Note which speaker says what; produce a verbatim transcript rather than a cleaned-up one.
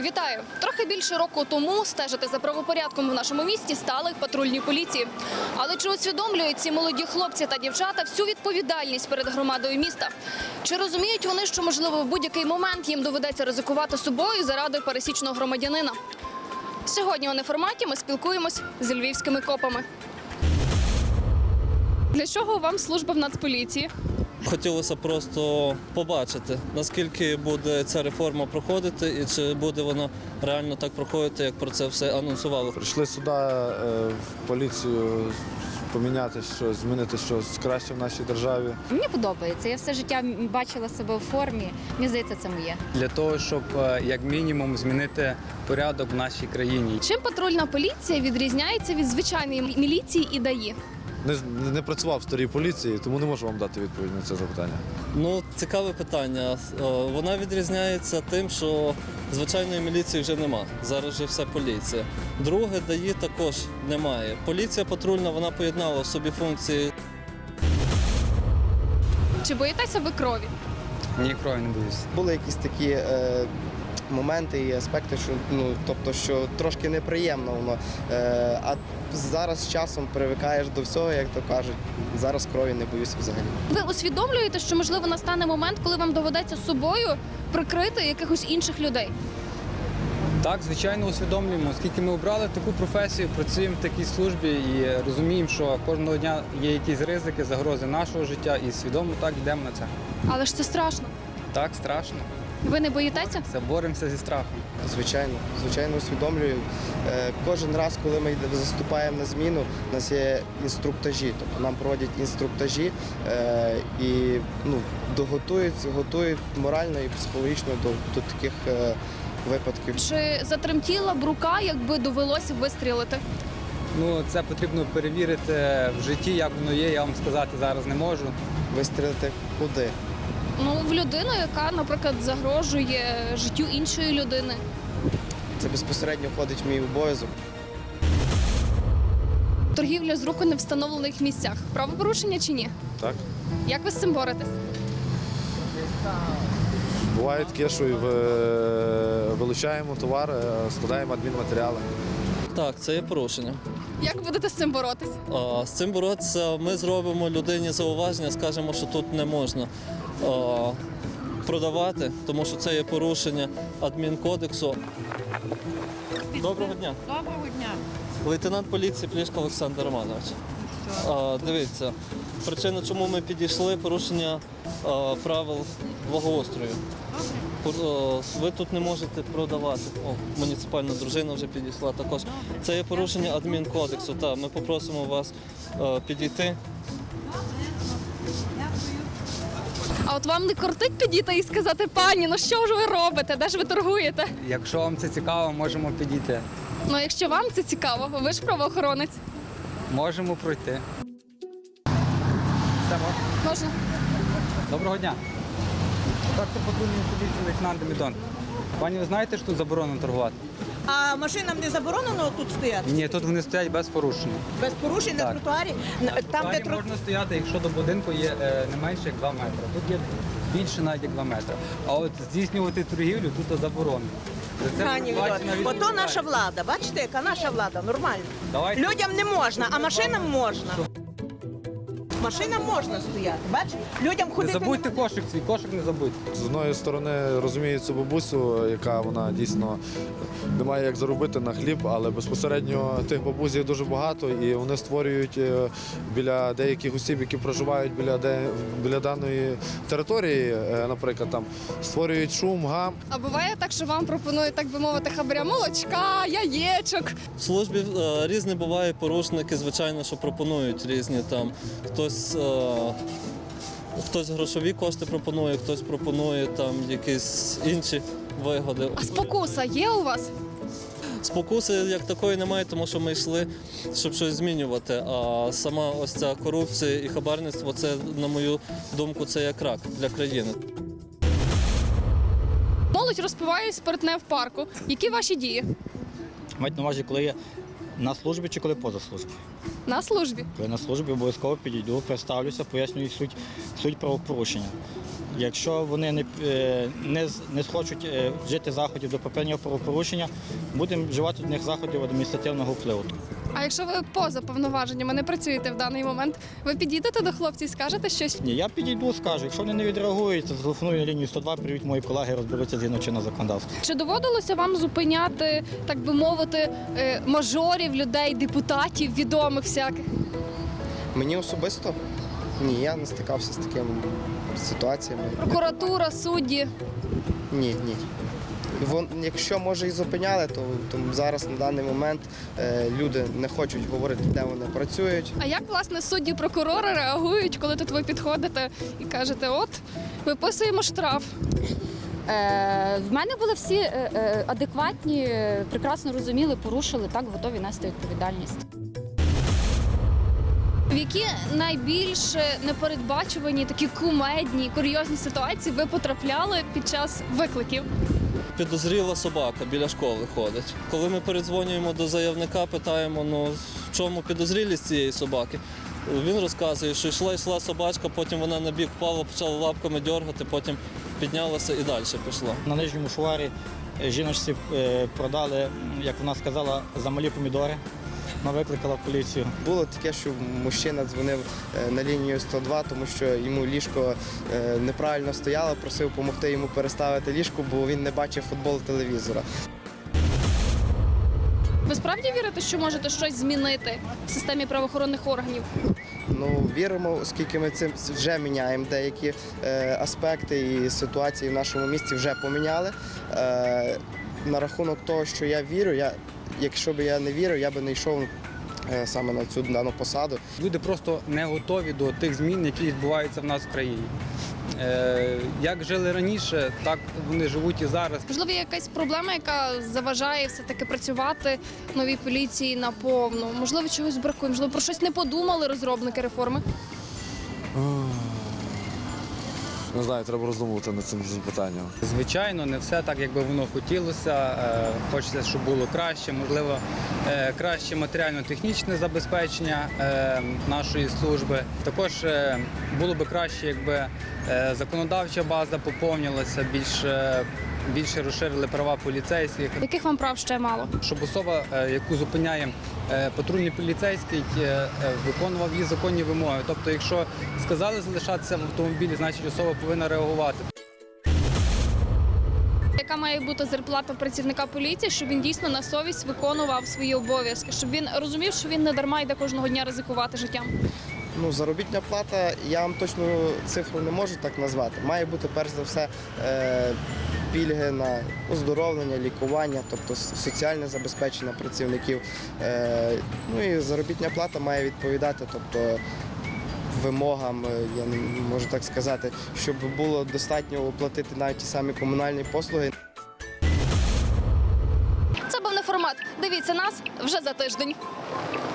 Speaker 1: Вітаю! Трохи більше року тому стежити за правопорядком в нашому місті стали патрульні поліції. Але чи усвідомлюють ці молоді хлопці та дівчата всю відповідальність перед громадою міста? Чи розуміють вони, що, можливо, в будь-який момент їм доведеться ризикувати собою заради пересічного громадянина? Сьогодні у неформаті ми спілкуємось з львівськими копами. Для чого вам служба в Нацполіції?
Speaker 2: Хотілося просто побачити, наскільки буде ця реформа проходити і чи буде вона реально так проходити, як про це все анонсували.
Speaker 3: Прийшли сюди в поліцію поміняти щось, змінити щось краще в нашій державі.
Speaker 4: Мені подобається. Я все життя бачила себе в формі. Мені здається, це моє.
Speaker 5: Для того, щоб як мінімум змінити порядок в нашій країні.
Speaker 1: Чим патрульна поліція відрізняється від звичайної міліції і ДАІ?
Speaker 3: Не, не працював в старій поліції, тому не можу вам дати відповідь на це запитання.
Speaker 2: Ну, цікаве питання. Вона відрізняється тим, що звичайної міліції вже нема. Зараз вже все поліція. Друге, ДАІ також немає. Поліція патрульна, вона поєднала в собі функції.
Speaker 1: Чи боїтеся ви крові?
Speaker 5: Ні, крові не боюсь.
Speaker 6: Були якісь такі е, моменти і аспекти, що ну тобто, що трошки неприємно воно. Е, а зараз з часом привикаєш до всього, як то кажуть. Зараз крові не боюся взагалі.
Speaker 1: Ви усвідомлюєте, що, можливо, настане момент, коли вам доведеться собою прикрити якихось інших людей?
Speaker 5: Так, звичайно, усвідомлюємо, оскільки ми обрали таку професію, працюємо в такій службі і розуміємо, що кожного дня є якісь ризики, загрози нашого життя і свідомо так йдемо на це.
Speaker 1: Але ж це страшно.
Speaker 5: Так, страшно.
Speaker 1: Ви не боїтеся?
Speaker 5: Це боремося зі страхом.
Speaker 6: Звичайно, звичайно, усвідомлюю. Е, кожен раз, коли ми йде- заступаємо на зміну, у нас є інструктажі, тобто нам проводять інструктажі е, і ну, доготують, готують морально і психологічно до, до таких е, випадків.
Speaker 1: Чи затремтіла б рука, якби довелося вистрілити?
Speaker 5: Ну, це потрібно перевірити в житті, як воно є, я вам сказати зараз не можу.
Speaker 6: Вистрілити куди?
Speaker 1: Ну, в людину, яка, наприклад, загрожує життю іншої людини.
Speaker 6: Це безпосередньо входить в мій обов'язок.
Speaker 1: Торгівля з рук у невстановлених місцях. Правопорушення чи ні?
Speaker 3: Так?
Speaker 1: Як ви з цим боретесь?
Speaker 3: Буває таке, що і ви- вилучаємо товар, е, складаємо адмінматеріали.
Speaker 2: Так, це є порушення.
Speaker 1: Як будете з цим боротись?
Speaker 2: А, З цим боротися ми зробимо людині зауваження, скажемо, що тут не можна а, продавати, тому що це є порушення адмінкодексу. Доброго дня.
Speaker 7: Доброго дня.
Speaker 2: Лейтенант поліції Плішко Олександр Романович. А, дивіться, причина, чому ми підійшли, порушення а, правил благоустрою. Пор- а, Ви тут не можете продавати. О, муніципальна дружина вже підійшла також. Це є порушення адмінкодексу. Так, ми попросимо вас а, підійти.
Speaker 1: А от вам не кортить підійти і сказати: пані, ну що ж ви робите? Де ж ви торгуєте?
Speaker 5: Якщо вам це цікаво, можемо підійти.
Speaker 1: Ну, якщо вам це цікаво, ви ж правоохоронець.
Speaker 5: Можемо пройти. Все, можна?
Speaker 1: Можна?
Speaker 5: Доброго дня. Так, це патрульний поліції лейтенант Демідон. Пані, ви знаєте, що тут заборонено торгувати?
Speaker 7: А машинам не заборонено тут стояти?
Speaker 5: Ні, тут вони стоять без порушення.
Speaker 7: Без порушень на
Speaker 5: Так.
Speaker 7: тротуарі? На- Там, де
Speaker 5: Далі
Speaker 7: тро...
Speaker 5: можна стояти, якщо до будинку є е, не менше як два метри. Тут є більше навіть як два метри. А от здійснювати торгівлю тут заборонено. За це
Speaker 7: Пані
Speaker 5: передбачена
Speaker 7: Вільот, ото
Speaker 5: відповідальність.
Speaker 7: наша влада. Бачите, яка наша влада? Нормально.
Speaker 5: Давайте.
Speaker 7: Людям не можна, а машинам можна. Машинам можна стояти. Бачите? Людям
Speaker 5: Не
Speaker 7: ходити
Speaker 5: забудьте
Speaker 7: нема-
Speaker 5: кошик свій, кошик не забудьте.
Speaker 3: З одної сторони розумію цю бабусю, яка вона дійсно не має як заробити на хліб, але безпосередньо тих бабусь є дуже багато, і вони створюють е, біля деяких осіб, які проживають біля, де, біля даної території, е, наприклад, там створюють шум, гам.
Speaker 1: А буває так, що вам пропонують, так би мовити, хабаря молочка, яєчок.
Speaker 2: В службі е, різні бувають порушники, звичайно, що пропонують різні там. Хтось, е, хтось грошові кошти пропонує, хтось пропонує там якісь інші вигоди.
Speaker 1: А спокуса є у вас?
Speaker 2: Спокуси як такої немає, тому що ми йшли, щоб щось змінювати. А сама ось ця корупція і хабарництво, це, на мою думку, це як рак для країни.
Speaker 1: Молодь розпиває спиртне в парку. Які ваші дії?
Speaker 8: Мають на увазі, коли я на службі чи коли поза службою.
Speaker 1: На службі.
Speaker 8: Коли на службі обов'язково підійду, представлюся, пояснюю суть, суть правопорушення. Якщо вони не, е, не, з- не схочуть е, вжити заходів до припинення правопорушення, будемо вживати до них заходів адміністративного впливу.
Speaker 1: А якщо ви поза повноваженнями не працюєте в даний момент, ви підійдете до хлопців і скажете щось?
Speaker 8: Ні, я підійду, скажу. Якщо вони не відреагують, то зателефоную на лінію сто два, привіть мої колеги, розберуться згідно чинного законодавства.
Speaker 1: Чи доводилося вам зупиняти, так би мовити, е, мажорів, людей, депутатів, відомих всяких?
Speaker 6: Мені особисто ні, я не стикався з такими ситуаціями.
Speaker 1: Прокуратура, судді.
Speaker 6: Ні, ні. Вон, якщо може і зупиняли, то, то зараз на даний момент е, люди не хочуть говорити, де вони працюють.
Speaker 1: А як, власне, судді, прокурори реагують, коли тут ви підходите і кажете, от, виписуємо штраф?
Speaker 4: Е, в мене були всі е, е, адекватні, е, прекрасно розуміли, порушили, так, готові нести відповідальність.
Speaker 1: В які найбільш непередбачувані, такі кумедні, курйозні ситуації ви потрапляли під час викликів?
Speaker 2: Підозріла собака біля школи ходить. Коли ми передзвонюємо до заявника, питаємо, ну в чому підозрілість цієї собаки. Він розказує, що йшла йшла собачка, потім вона на бік впала, почала лапками дергати, потім піднялася і далі пішла.
Speaker 8: На нижньому шуварі е, жіночці е, продали, м, як вона сказала, замалі помідори. Вона викликала поліцію.
Speaker 6: Було таке, що мужчина дзвонив е, на лінію сто два, тому що йому ліжко е, неправильно стояло, просив допомогти йому переставити ліжко, бо він не бачив футбол телевізора.
Speaker 1: Ви справді вірите, що можете щось змінити в системі правоохоронних органів?
Speaker 6: Ну, віримо, оскільки ми цим вже міняємо деякі е, аспекти і ситуації в нашому місті вже поміняли. Е, на рахунок того, що я вірю, я, якщо б я не вірив, я би не йшов е, саме на цю дану посаду.
Speaker 5: Люди просто не готові до тих змін, які відбуваються в нас в країні. Е, як жили раніше, так вони живуть і зараз.
Speaker 1: Можливо, є якась проблема, яка заважає все-таки працювати новій поліції наповну? Можливо, чогось бракує? Можливо, про щось не подумали розробники реформи?
Speaker 3: Не знаю, треба роздумувати над цим запитанням.
Speaker 5: Звичайно, не все так, як би воно хотілося. Е, Хочеться, щоб було краще, можливо, е, краще матеріально-технічне забезпечення е, нашої служби. Також е, було би краще, якби е, законодавча база поповнилася, більше, більше розширили права поліцейських.
Speaker 1: Яких вам прав ще мало?
Speaker 5: Щоб особа, е, яку зупиняє е, патрульний поліцейський, е, е, виконував її законні вимоги. Тобто, якщо сказали залишатися в автомобілі, значить особа повинна реагувати.
Speaker 1: Яка має бути зарплата працівника поліції, щоб він дійсно на совість виконував свої обов'язки, щоб він розумів, що він не дарма йде кожного дня ризикувати життям?
Speaker 6: Ну, заробітна плата, я вам точну цифру не можу так назвати. Має бути перш за все е, пільги на оздоровлення, лікування, тобто соціальне забезпечення працівників. Е, ну і заробітна плата має відповідати, тобто вимогам, я не можу так сказати, щоб було достатньо оплатити навіть ті самі комунальні послуги.
Speaker 1: Це був не формат. Дивіться нас вже за тиждень.